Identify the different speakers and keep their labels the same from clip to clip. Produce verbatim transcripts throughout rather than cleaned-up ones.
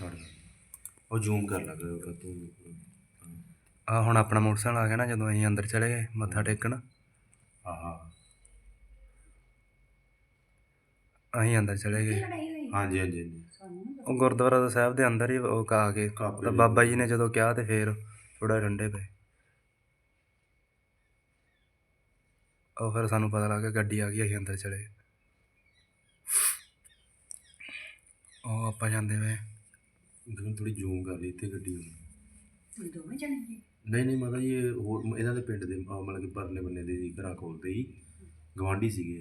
Speaker 1: Start ਉਹ zoom ਕਰ ਲੱਗ ਤੂੰ।
Speaker 2: ਆ ਹੁਣ ਆਪਣਾ ਮੋਟਰਸਾਈਕਲ ਆ ਗਿਆ ਨਾ, ਜਦੋਂ ਅਸੀਂ ਅੰਦਰ ਚਲੇ ਗਏ ਮੱਥਾ ਟੇਕਣ,
Speaker 1: ਹਾਂ ਹਾਂ
Speaker 2: ਅਸੀਂ ਅੰਦਰ ਚਲੇ ਗਏ।
Speaker 1: ਹਾਂਜੀ ਹਾਂਜੀ ਹਾਂਜੀ।
Speaker 2: ਉਹ ਗੁਰਦੁਆਰਾ ਦਾ ਸਾਹਿਬ ਦੇ ਅੰਦਰ ਹੀ ਉਹ ਆ ਕੇ ਤਾਂ ਬਾਬਾ ਜੀ ਨੇ ਜਦੋਂ ਕਿਹਾ ਤੇ ਫਿਰ ਥੋੜ੍ਹਾ ਠੰਡੇ ਪਏ। ਉਹ ਫਿਰ ਸਾਨੂੰ ਪਤਾ ਲੱਗ ਗਿਆ ਗੱਡੀ ਆ ਗਈ, ਅਸੀਂ ਅੰਦਰ ਚਲੇ ਗਏ। ਉਹ ਆਪਾਂ ਜਾਂਦੇ ਵੇ
Speaker 1: ਥੋੜੀ ਜ਼ੂਮ ਕਰ ਲਈ ਇੱਥੇ ਗੱਡੀ
Speaker 3: ਦੋਵੇਂ ਜਣੇ
Speaker 1: ਨਹੀਂ ਨਹੀਂ ਮਤਲਬ ਇਹ ਹੋਰ ਇਹਨਾਂ ਦੇ ਪਿੰਡ ਦੇ ਮਤਲਬ ਕਿ ਪਰਲੇ ਬੰਨੇ ਦੇ ਸੀ, ਘਰਾਂ ਕੋਲ ਦੇ ਹੀ ਗਵਾਂਢੀ ਸੀਗੇ।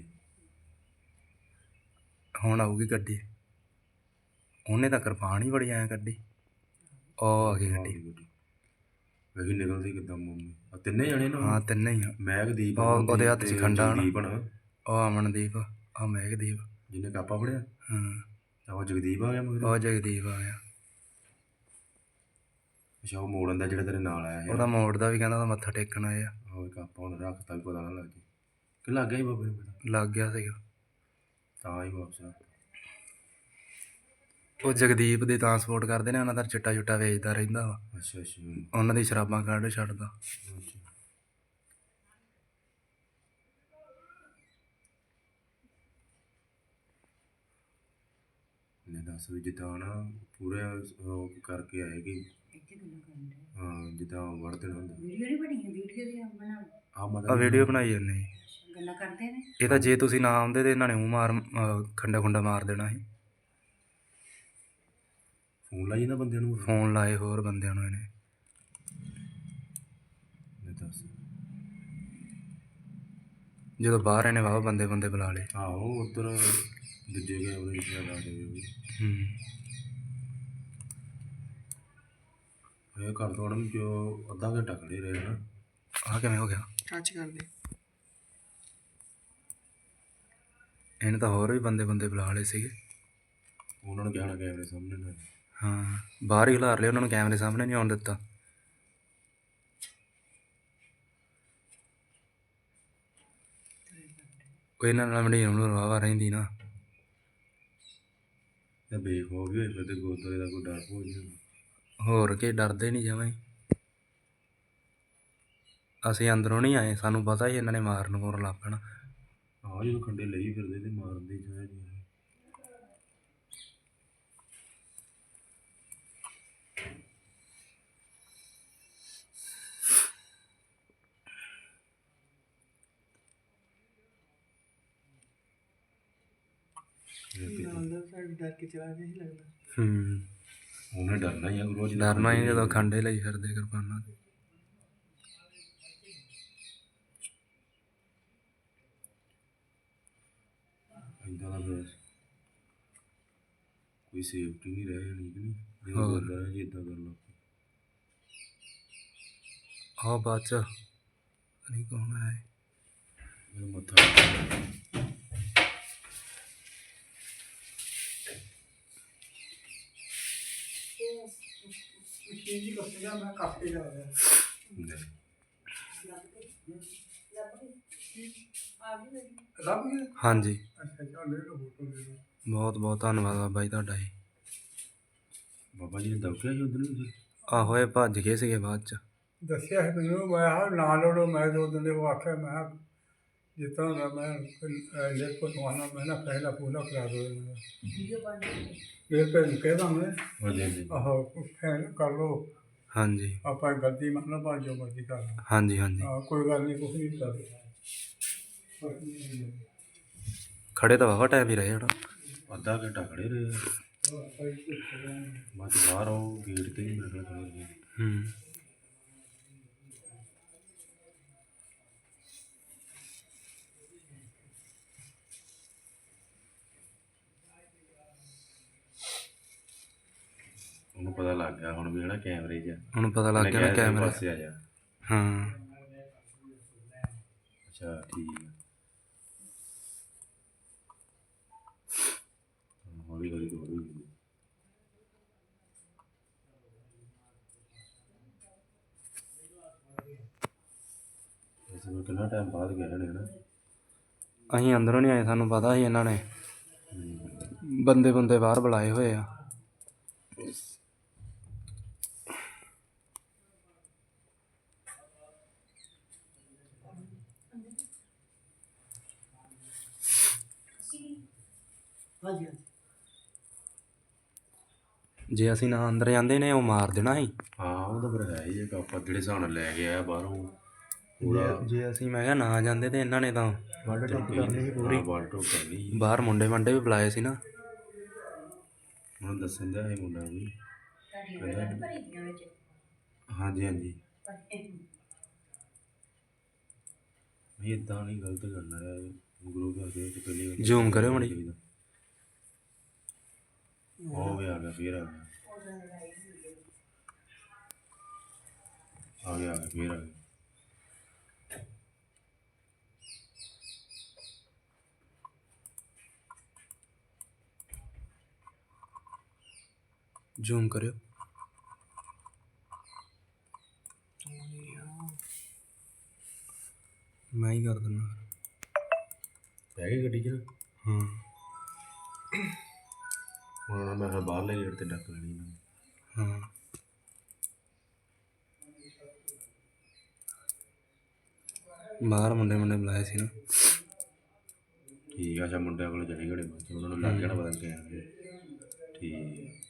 Speaker 2: ਹੁਣ ਆਊਗੀ ਗੱਡੀ, ਉਹਨੇ ਤਾਂ ਕਿਰਪਾਨ ਹੀ ਬੜੀ ਐਂ ਕੱਢੀ। ਉਹ ਆ ਗਈ ਗੱਡੀ,
Speaker 1: ਵੇਖੀ ਨਿਕਲਦੀ ਕਿੱਦਾਂ ਮੰਮੀ। ਆ ਤਿੰਨੇ ਜਣੇ ਨਾ?
Speaker 2: ਹਾਂ ਤਿੰਨੇ ਹੀ ਆ।
Speaker 1: ਮਹਿਕਦੀਪ,
Speaker 2: ਉਹਦੇ ਹੱਥ 'ਚ ਖੰਡਾ ਨਾ,
Speaker 1: ਜਗਦੀਪ,
Speaker 2: ਉਹ ਅਮਨਦੀਪ, ਆ ਮਹਿਕਦੀਪ
Speaker 1: ਜਿਹਨੇ ਕਾਪਾ ਫੜਿਆ।
Speaker 2: ਹਾਂ
Speaker 1: ਉਹ ਜਗਦੀਪ ਆ ਗਿਆ ਮਗਰ।
Speaker 2: ਉਹ ਜਗਦੀਪ ਆ ਗਿਆ।
Speaker 1: ਅੱਛਾ ਉਹ ਮੋੜਨ ਦਾ ਜਿਹੜਾ ਤੇਰੇ ਨਾਲ ਆਇਆ
Speaker 2: ਉਹਦਾ ਮੋੜ ਦਾ ਵੀ ਕਹਿੰਦਾ ਉਹਦਾ ਮੱਥਾ ਟੇਕਣ ਆਏ ਆ।
Speaker 1: ਉਹ ਕਾਪਾ ਹੁਣ ਰੱਖਤਾ ਵੀ ਪਤਾ ਨਾ ਲੱਗ ਜੇ ਕਿ ਲੱਗ ਗਿਆ ਸੀ ਬਾਬੇ ਨੂੰ ਪਤਾ?
Speaker 2: ਲੱਗ ਗਿਆ ਸੀਗਾ
Speaker 1: ਤਾਂ ਹੀ ਵਾਪਸ ਆ।
Speaker 2: ਉਹ ਜਗਦੀਪ ਦੇ ਤਾਂ ਸਪੋਰਟ ਕਰਦੇ ਨੇ, ਉਹਨਾਂ ਦਾ ਚਿੱਟਾ ਚੁੱਟਾ ਵੇਚਦਾ ਰਹਿੰਦਾ ਵਾ।
Speaker 1: ਅੱਛਾ ਅੱਛਾ
Speaker 2: ਉਹਨਾਂ ਦੀ ਸ਼ਰਾਬਾਂ ਕੱਢ ਛੱਡਦਾ।
Speaker 1: ਨੇ ਦੱਸ ਵੀ ਜਿੱਦਾਂ ਨਾ ਪੂਰੇ ਉਹ ਕਰਕੇ ਆਏ ਕਿ ਹਾਂ ਜਿੱਦਾਂ ਵੜ ਦੇਣਾ ਹੁੰਦਾ।
Speaker 3: ਵੀਡੀਓ ਨਹੀਂ ਬਣੀ, ਵੀਡੀਓ ਦੀ ਬਣਾ
Speaker 1: ਆ ਮਤਲਬ
Speaker 2: ਆ ਵੀਡੀਓ ਬਣਾਈ ਜਾਂਦੇ
Speaker 3: ਗੱਲਾਂ ਕਰਦੇ ਨੇ।
Speaker 2: ਇਹ ਤਾਂ ਜੇ ਤੁਸੀਂ ਨਾ ਆਉਂਦੇ ਤੇ ਇਹਨਾਂ ਨੇ ਮੂੰਹ ਮਾਰ ਖੰਡਾ ਖੁੰਡਾ ਮਾਰ ਦੇਣਾ ਸੀ।
Speaker 1: ਫੋਨ ਲਾਈ ਨਾ ਬੰਦਿਆਂ ਨੂੰ,
Speaker 2: ਫੋਨ ਲਾਏ ਹੋਰ ਬੰਦਿਆਂ ਨੂੰ ਇਹਨੇ।
Speaker 1: ਦੱਸ
Speaker 2: ਜਦੋਂ ਬਾਹਰ ਇਹਨੇ ਵਾਹ ਬੰਦੇ ਬੰਦੇ ਬੁਲਾ ਲਏ।
Speaker 1: ਆਹੋ ਉੱਧਰ ਦੂਜੇ ਗਏ ਉਹਦੇ ਵਿੱਚ ਲਾ ਦੇ
Speaker 2: ਹੂੰ
Speaker 1: ਇਹ ਘਰ ਤੋੜਨ ਜੋ ਅੱਧਾ ਘੰਟਾ ਖੜੇ ਰਹੇ ਨਾ।
Speaker 2: ਆਹ ਕਿਵੇਂ ਹੋ ਗਿਆ?
Speaker 3: ਟੱਚ ਕਰਦੇ
Speaker 2: ਇਹਨੇ ਤਾਂ ਹੋਰ ਵੀ ਬੰਦੇ ਬੰਦੇ ਬੁਲਾ ਲਏ ਸੀਗੇ।
Speaker 1: ਉਹਨਾਂ ਨੂੰ ਕਹਿਣਾ ਕੈਮਰੇ ਸਾਹਮਣੇ ਨਾ।
Speaker 2: ਹਾਂ ਬਾਹਰ ਹੀ ਖਿਲਾਰ ਲਿਆ, ਉਹਨਾਂ ਨੂੰ ਕੈਮਰੇ ਸਾਹਮਣੇ ਨਹੀਂ ਆਉਣ ਦਿੱਤਾ। ਕੋਈ ਇਹਨਾਂ ਨਾਲ ਮੰਡੀ ਨੂੰ ਵਾਵਾ ਰਹਿੰਦੀ ਨਾ।
Speaker 1: ਤੇ ਬੇਖੌਫ ਵੀ ਹੋਏ ਫਿਰ ਤੇ ਗੁਰਦੁਆਰੇ ਦਾ ਕੋਈ ਡਰ ਹੋ ਨਹੀਂ।
Speaker 2: ਹੋਰ ਕੀ ਡਰਦੇ ਨਹੀਂ ਜਮਾਂ ਹੀ। ਅਸੀਂ ਅੰਦਰੋਂ ਨਹੀਂ ਆਏ, ਸਾਨੂੰ ਪਤਾ ਹੀ ਇਹਨਾਂ ਨੇ ਮਾਰਨ ਮੂਰਨ ਲੱਗ ਪੈਣਾ।
Speaker 1: ਆਹ ਜਦੋਂ ਖੰਡੇ ਲਈ ਫਿਰਦੇ ਤੇ ਮਾਰਦੇ ਚਾਹੇ ਨਹੀਂ।
Speaker 3: ਡਰ ਕੇ ਚਲਾ ਗਿਆ ਹੀ ਲੱਗਦਾ।
Speaker 2: ਹੂੰ
Speaker 1: ਉਹਨੇ ਡਰਨਾ ਹੀ ਆ ਗੁਰੂ ਜੀ,
Speaker 2: ਡਰਨਾ ਹੀ ਜਦੋਂ ਖੰਡੇ ਲਈ ਫਿਰਦੇ ਕਿਰਪਾਨਾਂ ਤੇ।
Speaker 1: ਇੱਦਾਂ ਦਾ ਫਿਰ ਕੋਈ ਸੇਫਟੀ ਨਹੀਂ ਰਹਿ ਜਾਣੀ ਕਿ ਨਹੀਂ ਜਦੋਂ ਗੁਰਦੁਆਰਾ ਜੀ ਇੱਦਾਂ ਕਰ ਲਓ।
Speaker 2: ਆਹ ਬਾਅਦ 'ਚ ਨਹੀਂ ਕੌਣ ਆਇਆ
Speaker 1: ਮੱਥਾ
Speaker 3: ਮੈਂ ਕਾਫੀ ਜਾ ਰਿਹਾ
Speaker 2: ਹਾਂਜੀ।
Speaker 3: ਅੱਛਾ ਚੱਲ ਲੈ ਲਓ ਫੋਟੋ ਲੈ ਲਓ।
Speaker 2: ਬਹੁਤ ਬਹੁਤ ਧੰਨਵਾਦ ਬਾਬਾ ਜੀ ਤੁਹਾਡਾ ਜੀ।
Speaker 1: ਬਾਬਾ ਜੀ ਨੇ ਦਬਕਿਆ ਸੀ ਉਧਰ ਨੂੰ।
Speaker 2: ਆਹੋ ਇਹ ਭੱਜ ਗਏ ਸੀਗੇ ਬਾਅਦ 'ਚ।
Speaker 3: ਦੱਸਿਆ ਸੀ ਮੈਨੂੰ, ਮੈਂ ਹਾਂ ਨਾ ਲੜੋ। ਮੈਂ ਦੋ ਦਿਨ ਦੇ ਉਹ ਆਖਿਆ ਮੈਂ ਜਿਸ ਤਰ੍ਹਾਂ ਦਾ ਮੈਂ ਲੇਖ ਪਟਵਾਨਾ ਮੈਂ ਨਾ ਪਹਿਲਾ ਪੂਰਾ ਕਰਾ ਦੋ ਫਿਰ ਫਿਰ ਕਹਿਦਾ ਮੈਂ ਆਹੋ ਫੈਨ ਕਰ ਲਓ।
Speaker 2: ਹਾਂਜੀ
Speaker 3: ਆਪਾਂ ਗਲਤੀ ਮੰਨ ਲਓ, ਜੋ ਮਰਜ਼ੀ ਕਰ ਲਓ।
Speaker 2: ਹਾਂਜੀ ਹਾਂਜੀ
Speaker 3: ਹਾਂ ਕੋਈ ਗੱਲ ਨਹੀਂ, ਕੁਛ ਨਹੀਂ ਕਰਦੇ।
Speaker 2: ਖੜੇ ਤਾਂ ਵਾਹਵਾ ਟਾਈਮ ਹੀ ਰਹੇ ਹੁਣ।
Speaker 1: ਅੱਧਾ ਘੰਟਾ ਖੜੇ ਰਹੇ ਬਸ ਬਾਹਰ ਆਓ ਗੇਟ 'ਤੇ ਹੀ ਮੇਰੇ ਖਿਆਲ ਖੜੇ।
Speaker 2: ਹੂੰ
Speaker 1: ਉਹਨੂੰ ਪਤਾ ਲੱਗ ਗਿਆ ਹੁਣ ਵੀ ਹੈ ਨਾ ਕੈਮਰੇ 'ਚ।
Speaker 2: ਹੁਣ ਪਤਾ ਲੱਗ ਗਿਆ ਨਾ ਕੈਮਰੇ
Speaker 1: ਪਾਸੇ ਆ ਜਾ।
Speaker 2: ਹਾਂ
Speaker 1: ਅੱਛਾ ਠੀਕ ਹੈ। ਹੌਲੀ ਹੌਲੀ ਤੋਂ ਹੌਲੀ ਹੌਲੀ ਕਿੰਨਾ ਟਾਈਮ ਬਾਅਦ ਗਏ ਨੇ ਨਾ।
Speaker 2: ਅਸੀਂ ਅੰਦਰੋਂ ਨਹੀਂ ਆਏ, ਸਾਨੂੰ ਪਤਾ ਸੀ ਇਹਨਾਂ ਨੇ ਬੰਦੇ ਬੰਦੇ ਬਾਹਰ ਬੁਲਾਏ ਹੋਏ ਆ। ਜੇ ਅਸੀਂ ਨਾ ਅੰਦਰ ਜਾਂਦੇ ਨੇ ਉਹ ਮਾਰ ਦੇਣਾ ਸੀ।
Speaker 1: ਹਾਂ ਉਹ ਤਾਂ ਫਿਰ ਹੈ ਹੀ ਇੱਕ ਆਪਾਂ ਜਿਹੜੇ ਹਿਸਾਬ ਨਾਲ ਲੈ ਕੇ ਆਇਆ ਬਾਹਰੋਂ ਪੂਰਾ
Speaker 2: ਜੇ ਜੇ ਅਸੀਂ ਮੈਂ ਕਿਹਾ ਨਾ ਜਾਂਦੇ ਤੇ ਇਹਨਾਂ ਨੇ ਤਾਂ ਵੱਢ ਟੁੱਕ ਕਰਨੀ ਸੀ ਪੂਰੀ।
Speaker 1: ਬਾਲ ਟੋਕ ਕਰਨੀ
Speaker 2: ਬਾਹਰ ਮੁੰਡੇ ਮੰਡੇ ਵੀ ਬੁਲਾਏ ਸੀ ਨਾ।
Speaker 1: ਹੁਣ ਦੱਸਣ ਦਿਆ ਇਹ ਮੁੰਡਾ ਵੀ ਹਾਂਜੀ ਹਾਂਜੀ ਨਹੀਂ ਇੱਦਾਂ ਨਹੀਂ ਗਲਤ ਕਰਨਾ ਹੈ ਗੁਰੂ ਘਰ ਦੇ ਵਿੱਚ ਪਹਿਲੀ ਵਾਰੀ
Speaker 2: ਜ਼ੂਮ ਕਰਿਓ ਮਾੜੀ।
Speaker 1: ਉਹ ਵੀ ਆ ਗਿਆ ਫਿਰ ਆ ਗਿਆ ਆ ਗਿਆ ਆ ਗਿਆ ਫਿਰ ਆ ਗਿਆ
Speaker 2: ਜ਼ੂਮ ਕਰਿਓ। ਮੈਂ ਹੀ ਕਰ ਦਿੰਦਾ।
Speaker 1: ਪੈ ਗਈ ਗੱਡੀ 'ਚ ਨਾ
Speaker 2: ਹਾਂ
Speaker 1: ਹੁਣ ਮੈਂ ਕਿਹਾ ਬਾਹਰਲੇ ਗੇਟ 'ਤੇ ਡੱਕ ਲੈਣੀ ਇਹਨਾਂ ਨੇ।
Speaker 2: ਹਾਂ ਬਾਹਰ ਮੁੰਡੇ ਮੁੰਡੇ ਬੁਲਾਏ ਸੀ ਨਾ।
Speaker 1: ਠੀਕ ਆ ਅੱਛਾ ਮੁੰਡਿਆਂ ਕੋਲ ਚਲੇ ਗਏ ਬਾਅਦ 'ਚ ਉਹਨਾਂ ਨੂੰ ਲੱਗ ਜਾਣਾ ਪਤਾ ਨਹੀਂ ਕਿਆ ਠੀਕ